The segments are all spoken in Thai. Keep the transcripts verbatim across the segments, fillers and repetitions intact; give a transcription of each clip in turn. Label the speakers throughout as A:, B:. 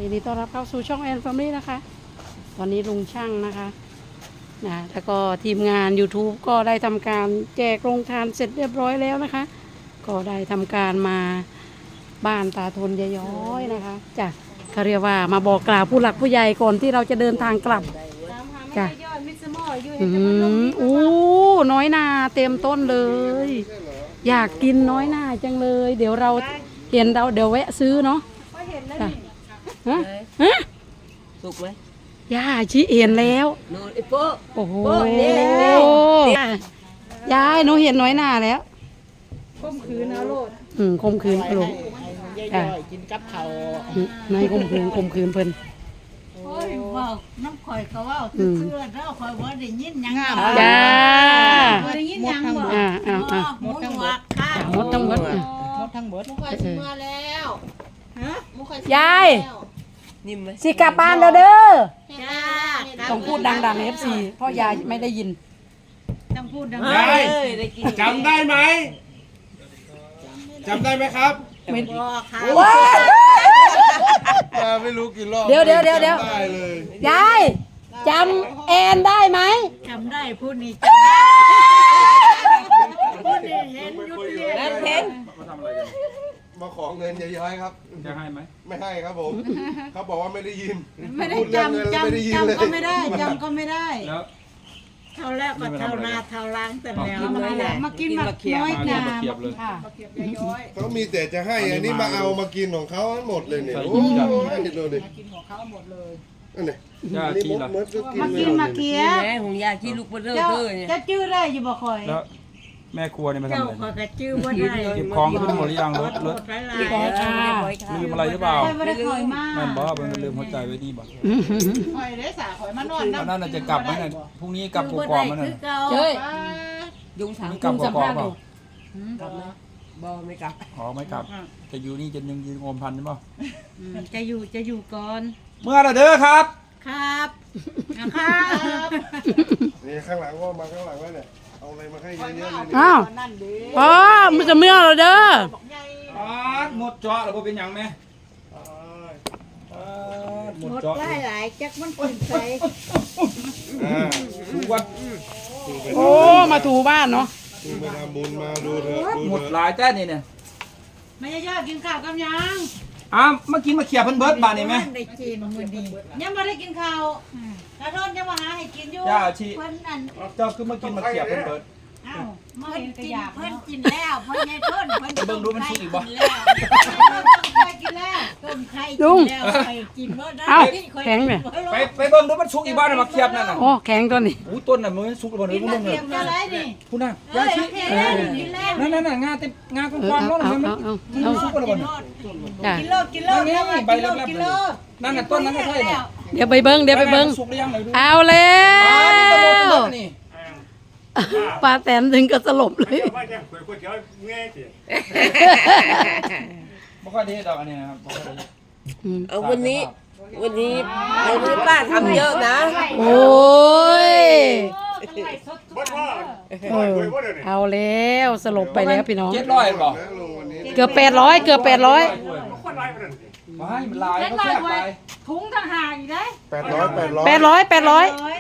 A: ยินดีต้อนรับเข้าสู่ช่องแอนแฟมิลี่นะคะตอนนี้ลุงช่างนะคะนะแล้วก็ทีมงาน YouTube ก็ได้ทำการแจกโรงทานเสร็จเรียบร้อยแล้วนะคะก็ได้ทำการมาบ้านตาทนยายย้อยนะคะจ้ะเขาเรียกว่ามาบอกกล่าวผู้หลักผู้ใหญ่ก่อนที่เราจะเดินทางกลับจ้ะอืมอู้น้อยนาเต็มต้นเลย อยากกินน้อยนาจังเลย เดี๋ยวเราเห็นเราเดี๋ยวแวะซื้อเนาะจ้ะฮะฮะ
B: สุกไหม
A: ย่าชิเห็นแล้ว
B: โน่นไอ้โป๊ะ
A: โอ้โห
B: โอ้ยนี่นี่
A: ยายหนูเห็นน้อยหน้าแล้ว
C: ข่มขืนเอาโลด
A: อืมคมคืนลูก
C: ย่อยๆกินกับเขา
A: นายคมคืนคมคืนเพิ่น
D: โอ้ยว่าน้ำข่อยเขาว่าเสื้อแล้วข่อยว่าได้ยินหยังบ่
A: จ้า
D: ได้ยินหยังบ่
A: อ่าอ่าอ่า
D: หมูหัวค่ะ
A: หมดทั้งหมดอ่ะ
C: หมดทั้งหมด
E: มุกคอยชิมมาแล้วฮะมุกคอยชิม
A: ยาย
B: นิ่มไหม
A: สิกลับบ้านแล้วเด้อ
D: จ้า
A: ต้องพูดดังๆ เอฟ ซี เพราะยายไม่ได้ยิน
D: ต้องพูดดัง
B: เฮ้ยได้กิน
F: จำได้ไหมจำได้ไหมครับ
A: ไม่
D: บ่ค่ะ
A: ว้า
F: มาไม่รู้กี่รอบ
A: เดี๋ยวเดี๋ยวเดี๋ยวเดี๋ยว
F: จำได้เลย
A: ยายจำแอนได้ไหม
D: จำได้พูดนี่จำได้พูดนี่เห็นอยู่ที่
B: แล้วเพน
F: มาขอเงินย้อยๆครับ
G: จะให้ไหม
F: ไม่ให้ครับผมเขาบอกว่าไม่ได้ยิน
D: ไม่ได้
F: พูดเรื่องเงิน
D: จำ
F: แล้วไม่ได้ยิน
D: จำ
F: เลย
D: จำก็ไม่ได้จำก็ไม่ได้
G: แล้ว
D: เท่าแรกก็เท่านาเท่าล้างแต่แล้ว
B: กินน้อยนา
D: มากินมาน้อย
G: มาเรีย
D: นา
G: บเทียบเลย
A: ค่ะ
F: เขามีแต่จะให้อันนี้มาเอามากินของเขาทั้งหมดเลยเนี่ย
G: ใส่
F: โอ้
G: กินจัง
F: ยดูดินั่นนี่
G: ย่า
F: อันนี้
G: ชี้
F: มด
G: ล่ะ
F: มดก็กิน
D: มา
F: ไม่
D: กิน
F: หม
D: มา
F: ด
D: เคี้ย
B: แม่ของยาที่ลูกเบลอ
D: เจ้า
B: เธอเนี่ย
D: จะจื้อได้อยู่บ่คอย
G: แล้วแม่ครัวเนี่ยมาทำ
D: เจ้า
G: อะไร
D: คอยก็จื้อบ่ได้
G: เก็บของขึ้นหมดหรือยังรถรถ
D: หลายหลา
B: เรียบ
D: ย
B: ร้อยค่ะเรียบร้อยค่ะ
G: ลืมอะไรหรือเปล่า
D: คอยไม่ได้คอยมาก
G: แม่นบอกมันลืมหัวใจไว้นี่บ่
C: คอยได้สาคอยมานอน
G: อันนั้นน่ะจะกลับไหมน่ะพรุ่งนี้กลับกกอกมันน่ะ
A: เจ้ย
B: ยุงถาม
G: กลับกกอกเปล่าก
B: ลับไหมบอไม่กลับ
G: อ๋อไม่กลับ จะอยู่นี่จะยังยืนงมพันใช่ป่ะ
D: อืมจะอยู่จะอยู่ก่อน
G: เมื่อไรเด้อครับ
D: ครับนะครับ
F: นี่ข้างหลังว่ามาข้างหลังแล้วเนี่ยเอาอะไรมาให้เยอะๆเลยเนี่ย
A: อ้าวอ๋อมันจะเมื่อเราเด้อ
G: อ๋อหมดเจาะแล้วบ่เป็นหยังไหมหมด
D: หมด
G: เจาะ
D: หลายหลายจักมันกินใส่
F: อ่า
G: ดูวัด
A: โอ้มาถูบ้านเนาะ
F: ดูไปทำบุญมาดูเถอะดู
G: หมด
F: เถ
G: ห
F: อะ
G: ลายแต้นี่เนี่ย
D: ไม่ยอดกินข้าวกับยัง
G: อ้าวเมื่อกี้มาเขี่ยเพิ่นเบิร์ดบานนี่ไหม
D: ได้กินมื้อนี้ยังไม่ได้กินข้าวกระโดดยังมาหาให้กินอยู่
G: ย่าชี
D: เพิ่นนั่น
G: เจ้าคือมากินมาเขี่ยเพิ่นเบิร์ด
D: เอ้าเพิ่นกินเพิ่นกินแล้วเพิ่นยายเพิ่นเพิ่น
G: เบิ่งดูมันสุกอีกบ่
D: กินแล้วต้มไข่กินแล้วต้มไข่กินแล้วไข่กินบ่ได้
A: เอ้าแข็งเลย
G: ไปไปเบิ่งดูมันสุกอีกบ้านน่ะมาเขี่ยนั่นน่ะ
A: โอ้แข็งตัวนี้
G: อู้ต้นน่ะมันสุกแล้วบ่
D: กิ
G: นี่
D: น
G: มึง
D: เที
G: เนี่ย
D: ยมอะไรนี่
G: พูดน่ะ
D: เอ้
G: ย่าย ชี
D: โอเคแล้วกินแล้ว
G: นั่นนั่นน่ะงาเต็มงาก
A: เออ
G: ว้างๆ
A: เอา
G: เนาะ
A: เอา
G: มัน
A: เอาเอา
G: กิน
A: เอา
G: สุกแล้วบ่นี่
A: จ้ะ
D: กินโลดกินโลด
G: นั่นไง
D: กิน
G: ใบ
D: โลด
G: แรกๆ
D: กิน
G: เล
D: โล
G: ย
D: ด
G: นั่นน่ะต้นนั้นไม่ใช่เนี่ย
A: เดี๋ยวไปเบิ้งเดี๋ยวไปเบิ้ง
G: สุกหรือยังไหนดู
A: เอาแล้
G: อ๋อนี่ตะโมตะโม
A: ว
G: นี่
A: ปลาแตนถึงก็สลบเลย
G: บ่ค่อยได้ดอกอันนี้นะครับบ่ค่อยได้
A: อืม
B: เอาวันนี้ วันนี้เอาเนื้อป้าทำเยอะนะ
A: โอ้ยเออเอาแล้วสลบไปแล้วพี่น้อง
G: เจ็ดร้อยบ่
F: นะลุงวันนี้
A: เกือบแปดร้อยเกือบแปดร้อย
G: ว้ายมันลายเขาแทบไป
D: ถุงต่างหากอีกได้
F: แปดร้อยแปดร้อย
A: แปดร้อยแปดร้อย
G: เอา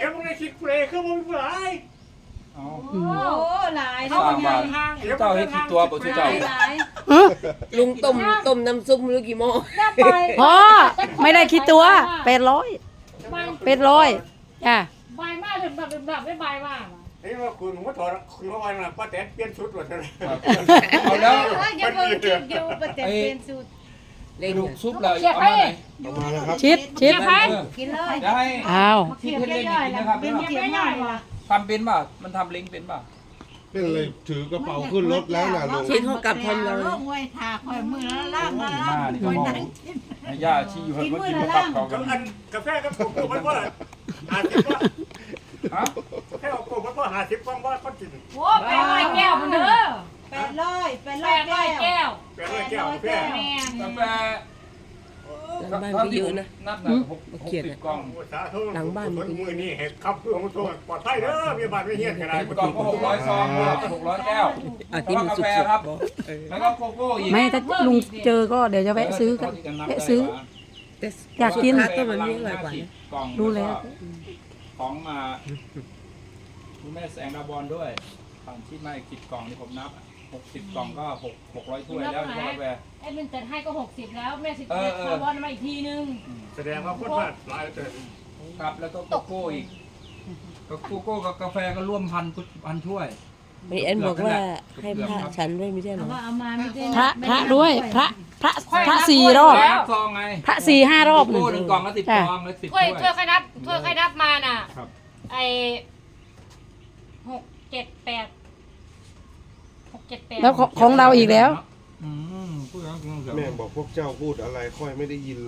D: โอ้หลาย
G: สร้างบ้านเจ้าเฮ็ดกี่ตัวบ่ชื่อเจ้า
D: หลาย
A: ฮะ
B: ลุงต้มต้มน้ำซุปไม่รู้กี่หม้อ
A: พ่อไม่ได้คิดตัวแปดร้อยแปดร้อยจ้ะ
C: ใบมากถึงแบบแบบได้ใบมาก
H: นี่ว่าคุณผมก็ถอดคุณเข้าไปนะป้าแตนเปลี่ยนชุดหมดเลย
G: เอาแล้ว
D: ยังเพิ่งกินอยู่ประเด็นเป็นสูตร
B: เล่น
G: ลูกซุปเลยเอามาไหน
F: เอามาแล้วครับ
A: ชิดชิด
G: เออ
D: กินเลย
G: ได้
A: อ้าว
G: ที่เพิ่นเล่นอย่างนี้นะครับ
D: เป็นเกี๊ยวง่ายว่ะ
G: ทำเป็นป่ะมันทำเล้งเป็นป่ะ
F: เป็นเลยถือกระเป๋าขึ้นรถแล้วนะลุง
B: ชิ้นเขากลับทำเรา
D: ลงไว้ทาคอยมือแล้วล่างมา
G: ดี
D: ล่าง
G: มากนี่
D: ค
G: ก็
D: อย
G: มอง
D: นั่งกิน
G: ให้ย่าชี้อยู่ให้เพิ่นกินมาปักเขากัน
H: อันกาแฟกับผมมันว่าหาสิบว่า
G: ฮะ
H: แค่เอาผมมันว่าหาสิบฟองว่าคนกิน
C: โอ้แปดร้อยแก้วมันเด้อ
D: แปดร้อยแปด
C: แป
D: ร้อย
C: ดร้อย
D: แก้ว
C: แก้ว
H: แปดร้อยแก้วกาแฟ
C: แม่น
G: กาแฟ
B: หลังบ้านก็เยอะนะ
G: นับน่ะหกหกสิบกล่อง
H: สาธุคนมือนี่เห็ดขับเพื่อของตัวปลอดภัยเด้อมีบาดไม่เฮี้ยนกันได้
G: สิบกล่องก็หกร้อยซองหกร้อยแก้ว
B: อ่ะที่มัน
G: กา
B: สุ
G: แฟ
B: ก
G: ครับ
B: ๆบอกเออ
G: แล้วก็โกโก้อีก
A: ไม่ถ้าลุงเจอก็เดี๋ยวจะแวะซื้อกันแวะซื้อ
B: แ
A: อยากกิน
B: ต้นมันมีอร่อยกว่านะ
G: กล่อง
A: รู้แล้ว
G: ของมาคุณแม่แสงดาบอลด้วยฝั่งที่มาอีกสิบกล่องนี่ผมนับหกสิบกล่องก็หกหกร้อยถ้วยแล้วที่กาแฟ
C: ไอ้มันจัดให้ก็หกสิบแล้วแม่สิบ
G: เออเออ
C: คาร์บอนมาอีกทีนึง
H: แสดงว่าคนว่าหลายเกิน
G: ครับแล้วก็โกโก้อีกก็โกโก้กับกาแฟก็ร่วมพันพันถ้วย
B: มีเอ็นบอกว่าให้พระฉันด้วยไม่ใช่เหร
D: เอา
B: อ
D: ว่าเอามาไม่ได้
A: พระ
D: ไม่
A: พระ
D: ไ
A: ด้วยพระพระ
C: ค่อย
A: พระ
C: นับ
A: สี่
C: ถ้วย
A: รอบ
C: แล้ว
G: ซองไง
A: พระสี่ห้ารอบ
G: โกโก้หนึ่งกล่องก็สิบ
A: จ้ะ
G: ซองแล้วสิบ
C: ถ้วย
G: ถ้
C: ถ้ว
G: วย ย
C: ใครนับถ้วยใครนับมาน่ะ
G: ครับ
C: ไอหกเจ็ดแปดหกเจ็ดแปด
A: แล้วของของเราอีกแล้ว
G: อืมพูดแล้วกินเดี๋ยว
F: แม่บอกพวกเจ้าพูดอะไรค่อยไม่ได้ยินเลย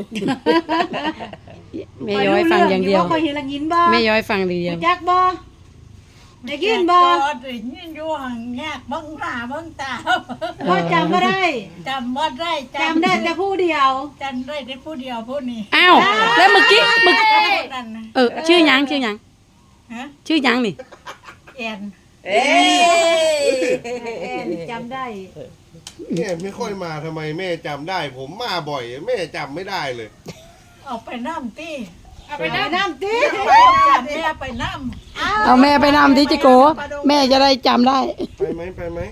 A: แม่ย้อยฟังอย่างเดียว
D: คอยเห็นละยินบ่
A: แม่ย้อยฟังดีเดียว
D: จักบ่ได้ยินบ่ได้ยินอยู่ห่างแยกเบิ่งหน้าเบิ่งตาบ่จำบ่ได้จำบ่ได้จำได้แต่ผู้เดียวจำได้แต่ผู้เดียวผู้นี้
A: อ้าวแล้วเมื่อกี้เมื่อ
D: นั่นนะ
A: เออชื่อหยังชื่อหยัง
D: ฮะ
A: ชื่อหยังนี่
D: แอน
B: เอ้ย
D: แอนจำได้
F: แม่ไม่ค่อยมาทำไมแม่จำได้ ผมมาบ่อย แม่จำไม่ได้เลย
D: เอาไปน้ำตี
C: เอาไปนับ
D: น้ำตีไปน้ำแม่ไปน้ำ
A: เอาแม่ไปนำที่จิโก แม่จะได้จำได้
F: ไปไหมไปไหม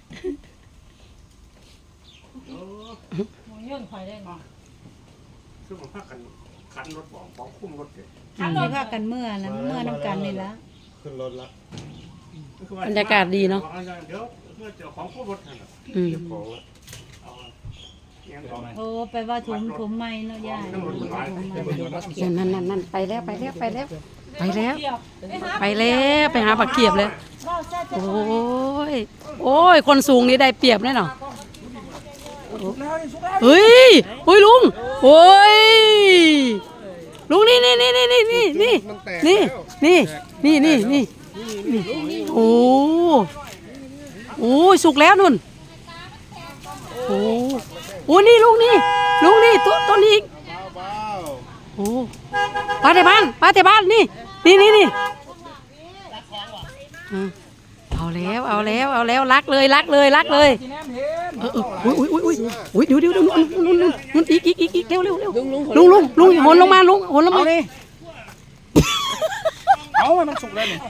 C: หมูเยื่องคอยได้ก่อน
H: คือผมพักกันขันรถบอกของคุ้มรถเลย
D: ไม่ว่ากันเมื่อนะเมื่อน้ำกันนี่ละ
F: ขึ้นรถละ
A: บรรยากาศดีเนาะ
H: เดี๋ยวเพื่อเจ้าของคุ้มรถนั่นแหละ
A: อืม
F: เก็บของละ
H: เอาเงี้ยของ
D: โอ้ไปว่าถุงถุงไม่เนาะยาย
H: ทั้งรถมันหลาย
A: นั่นนั่นนั่นไปแล้วไปแล้วไปแล้ว ไปแล้ว
C: เทียบไปหา
A: ไปแล้วไปหาปักเกียบเลย
D: ว่าจะ
A: โอ้ย โอ้ย คนสูงนี่ได้เปรียบแน่นอนเฮ้ยเฮ้ยลุงโอ้ย ลุงนี่นี่นี่นี่นี่นี่นี่
F: มันแตก
A: นี่
F: แล้ว
A: นี่นี่นี่นี่นี่โอ้โอ้ยสุกแล้วนุ่นโอ้โอ้นี่ลุงนี่ลุงนี่ตัวตัวนี้อีก
F: เบา
A: โอ้ปลาแต่บ้านปลาแต่บ้านนี่นี่นี่นี่อ่ะเอาแล้วเอาแล้วเอาแล้วรักเลยรักเลยรักเลยเออเอออุ้ยอุ้ยอุ้ยอุ้ยเดี๋ยวเดี๋ยวเดี๋ยวนุ่นนุ่นนุ่นนุ่นอีกอีกอีกอีกเร็วเร็วเร็วลุงลุงลุงลุงหนลงมาลุงหนลงมา
G: เอาให้มันสุกแล้วนี่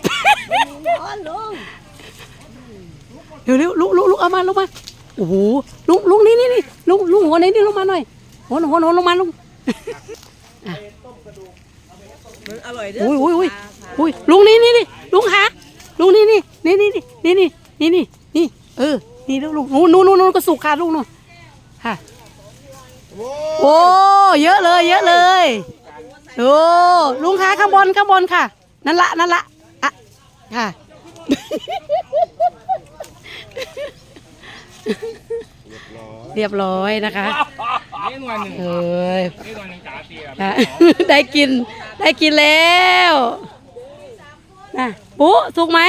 A: เดี๋ยวเร็วลุงลุงลุงเอามาลงมาโอ้โหลุงลุงนี่นี่นี่ลุงลุงหัวไหนนี่ลงมาหน่อยหัวหัวหัวลงมาลุง
B: มันอร่อยเด้
A: อุ้ยอุ้ยอุ้ยอุ้ยลุงนี่นี่นี่ลุงขาลุงนี่นี่นี่นี่นี่นี่นี่นี่นี่เออนี่ลุงลุงนู่นนู่นนู่นก็สุกค่ะลุงนู่นค่ะ
F: โอ้
A: โอ้เยอะเลยเยอะเลยโอ้ลุงขาข้างบนข้างบนค่ะนั่นละนั่นละอ่ะค่ะ เรียบร้อยนะคะ
G: นี่หน่วยหนึ่ง
A: เอ้ย
G: นี่หน่วยหนึ่งจ๋าเตีย
A: ค่ะ ได้กินได้กินแล้วนะปุ๊สุกไหม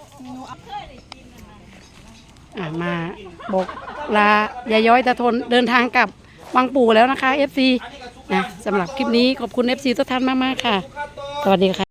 A: อ่ะมาบอกลายายย้อยตะทนเดินทางกลับวังปู่แล้วนะคะ เอฟ ซี นะสำหรับคลิปนี้ขอบคุณ เอฟ ซี ทุกท่านมากๆค่ะ สวัสดีค่ะ